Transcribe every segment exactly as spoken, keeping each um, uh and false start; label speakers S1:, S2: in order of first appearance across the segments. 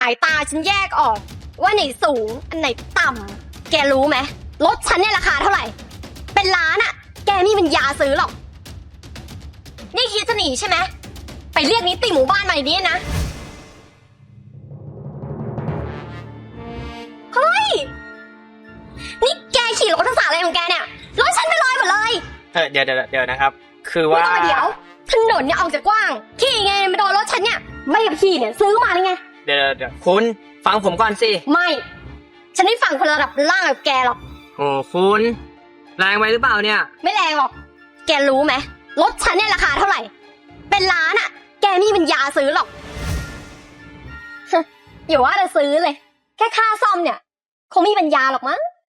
S1: สายตาฉันแยกออกว่าไหนสูงอันไหนต่ำแกรู้ไหมรถฉันเนี่ยราคาเท่าไหร่เป็นล้านอะแกไมมีปัญญาซื้อหรอกนี่คิดจะหนีใช่ไหมไปเรียกนิติหมู่บ้านมาอย่างนี้นะเฮ้ยนี่แกขี่รถทักษะอะไรของแกเนี่ยรถฉันไปลอยหมดเลย
S2: เออเดี๋ยวเดี๋ยวเดี๋ยวนะครับคือว่า
S1: ไม่ต้องมาเดี๋ยวถนนเนี่ยออกจากกว้างขี่ไงมาโดนรถฉันเนี่ยไม่กับขี่เนี่ยซื้อมาเลยไง
S2: เดี๋ยวเดี๋ยวคุณฟังผมก่อนสิ
S1: ไม่ฉันไม่ฟังคนระดับล่างแบบแกหรอก
S2: โอ้คุณแรงไปหรือเปล่าเนี่ย
S1: ไม่แรงหรอกแกรู้ไหมรถฉันเนี่ยราคาเท่าไหร่เป็นล้านอะแกไมมีปัญญาซื้อหรอกอย่าว่าจะซื้อเลยแค่ค่าซ่อมเนี่ยคงไม่มีปัญญาหรอกมั้ง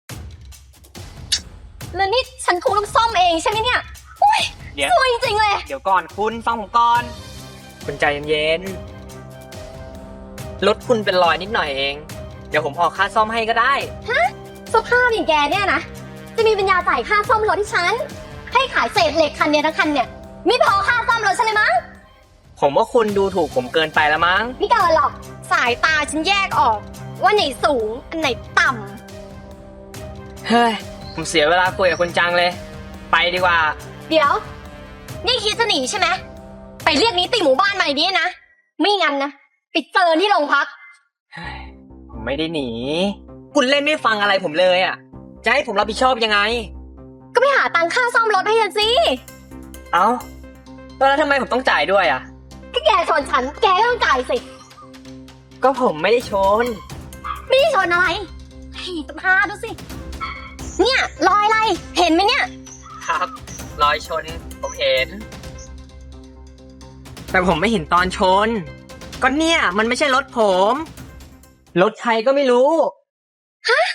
S1: แล้วนี่ฉันคงต้องซ่อมเองใช่ไหมเนี่ยอุ้ยสวยจริงๆเลย
S2: เดี๋ยวก่อนคุณฟังผมก่อนคุณใจเย็นๆรถคุณเป็นรอยนิดหน่อยเองเดี๋ยวผมออกค่าซ่อมให้ก็ได้
S1: ฮะสภาพอย่างแกเนี่ยนะจะมีปัญญาจ่ายค่าซ่อมรถที่ฉันให้ขายเศษเหล็กคันเนี้ยทั้งคันเนี่ยไม่พอค่าซ่อมรถฉันเลยมั้ง
S2: ผมว่าคุณดูถูกผมเกินไปแล้วมั้ง
S1: ไม่เกินหรอกสายตาฉันแยกออกว่าไหนสูงอันไหนต่
S2: ำเฮ้ยผมเสียเวลาคุยกับคุณจังเลยไปดีกว่า
S1: เดี๋ยวนี่คิดจะหนีใช่ไหมไปเรียกนิติหมู่บ้านมาอย่างนี้นะไม่งั้นนะไปเจอที่โรงพัก
S2: ผมไม่ได้หนีคุณเล่นไม่ฟังอะไรผมเลยอ่ะจะให้ผมรับผิดชอบยังไง
S1: ก็ไปหาตังค่าซ่อมรถให้ฉันสิ
S2: เอ้าแล้วทำไมผมต้องจ่ายด้วยอ่ะ
S1: ก็แกชนฉันแกก็ต้องจ่ายสิ
S2: ก็ผมไม่ได้ชน
S1: ไม่ได้ชนอะไรให้สภาพดูสิเนี่ยรอยอะไรเห็นไหมเนี่ย
S2: ครับรอยชนผมเห็นแต่ผมไม่เห็นตอนชนก็เนี่ยมันไม่ใช่รถผมรถใครก็ไม่รู้
S1: ฮะ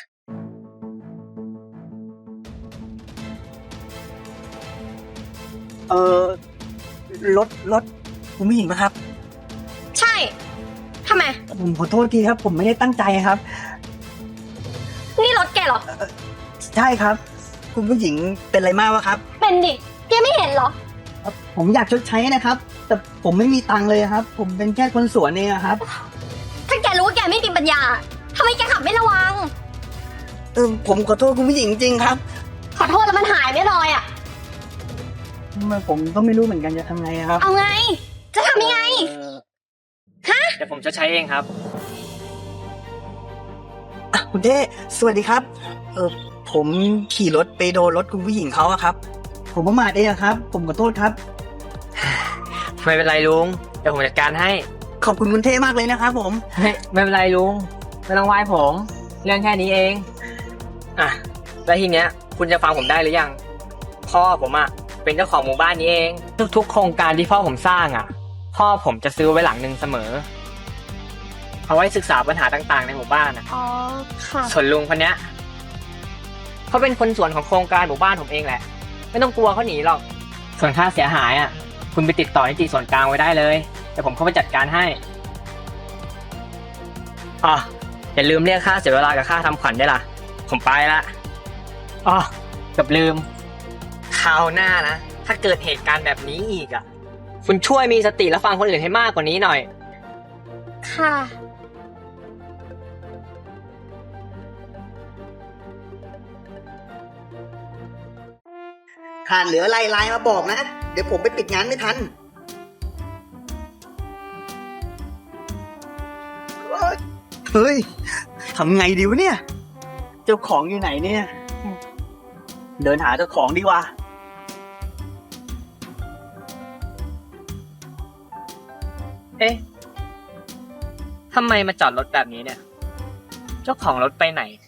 S3: เออรถรถคุณผู้หญิงนะครับ
S1: ใช่ทำไม
S3: ผมขอโทษทีครับผมไม่ได้ตั้งใจครับ
S1: นี่รถแกเหรอ
S3: ใช่ครับคุณผู้หญิงเป็นอะไรมากวะครับ
S1: เป็นดิแกไม่เห็นเหรอ
S3: ผมอยากชดใช้นะครับแต่ผมไม่มีตังค์เลยครับผมเป็นแค่คนสวนเองครับ
S1: ถ้าแกรู้ว่าแกไม่มีปัญญาทำไมแกขับไม่ระวัง
S3: เออผมขอโทษคุณผู้หญิงจริงครับ
S1: ขอโทษแล้วมันหายไม่ลอยอ่ะ
S3: ผมก็ไม่รู้เหมือนกันจะทำไงครับ
S1: เอาไงจะทำยังไงฮะ
S2: เดี๋ยวผมจะใช้เองครับ
S3: คุณเท่สวัสดีครับเออผมขี่รถไปโดนรถคุณผู้หญิงเขาอะครับผมประมาทเองครับผมขอโทษครับ
S2: ไม่เป็นไรลุงเดี๋ยวผมจัดการให้
S3: ขอบคุณคุณเท่มากเลยนะครับผม
S2: เฮ้ยไม่เป็นไรลุงไม่ต้องไหว้ผมเรื่องแค่นี้เองอ่ะแล้วทีเนี้ยคุณจะฟังผมได้หรือยังพ่อผมอะเป็นเจ้าของหมู่บ้านนี้เองทุกๆโครงการที่พ่อผมสร้างอะพ่อผมจะซื้อไว้หลังหนึ่งเสมอเอาไว้ศึกษาปัญหาต่างๆในหมู่บ้านนะ
S1: อ๋อค่ะ
S2: ส่วนลุงคนเนี้ยเขาเป็นคนส่วนของโครงการหมู่บ้านผมเองแหละไม่ต้องกลัวเขาหนีหรอกส่วนค่าเสียหายอ่ะคุณไปติดต่อนิติส่วนกลางไว้ได้เลยแต่ผมเข้าไปจัดการให้อ๋ออย่าลืมเรียกค่าเสียเวลากับค่าทำขวัญด้วยล่ะผมไปละอ๋อเกือบลืมคราวหน้านะถ้าเกิดเหตุการณ์แบบนี้อีกอ่ะคุณช่วยมีสติและฟังคนอื่นให้มากกว่านี้หน่อย
S1: ค่ะ
S3: ขาดเหลืออะไรไลน์มาบอกนะเดี๋ยวผมไปปิดงานไม่ทันเฮ้ยทำไงดีวะเนี่ยเจ้าของอยู่ไหนเนี่ยเดินหาเจ้าของดีกว่า
S2: เอ๊ะทำไมมาจอดรถแบบนี้เนี่ยเจ้าของรถไปไหน